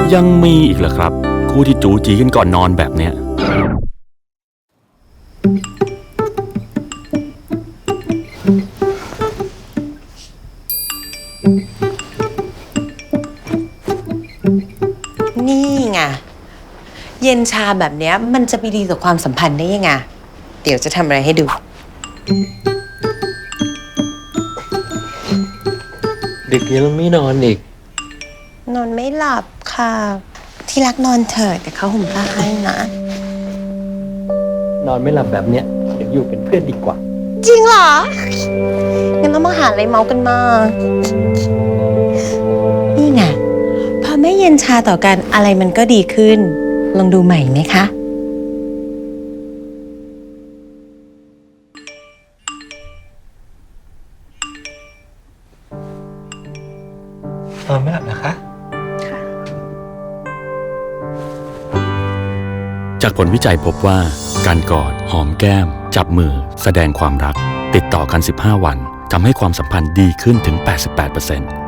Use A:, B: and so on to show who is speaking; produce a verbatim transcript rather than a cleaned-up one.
A: ยังมีอีกเหรอครับคู่ที่จู๋จีกันก่อนนอนแบบเนี้ย
B: นี่ไงเย็นชาแบบเนี้ยมันจะไปดีต่อความสัมพันธ์ได้ยังไงเดี๋ยวจะทำอะไรให้ดู
C: ดึกยังไม่นอนอีก
B: นอนไม่หลับค่ะที่รักนอนเถิดแต่เขาห่มผ้าให้นะ
C: นอนไม่หลับแบบเนี้ยเดี๋ยวอยู่เป็นเพื่อนดีกว่า
B: จริงเหรองั้นต้องมาหาอะไรเมากันมานี่ไงพอไม่เย็นชาต่อกันอะไรมันก็ดีขึ้นลองดูใหม่ไหมคะ
C: นอนไม่หลับนะคะ
A: จากผลวิจัยพบว่าการกอดหอมแก้มจับมือแสดงความรักติดต่อกันสิบห้าวันทำให้ความสัมพันธ์ดีขึ้นถึง แปดสิบแปดเปอร์เซ็นต์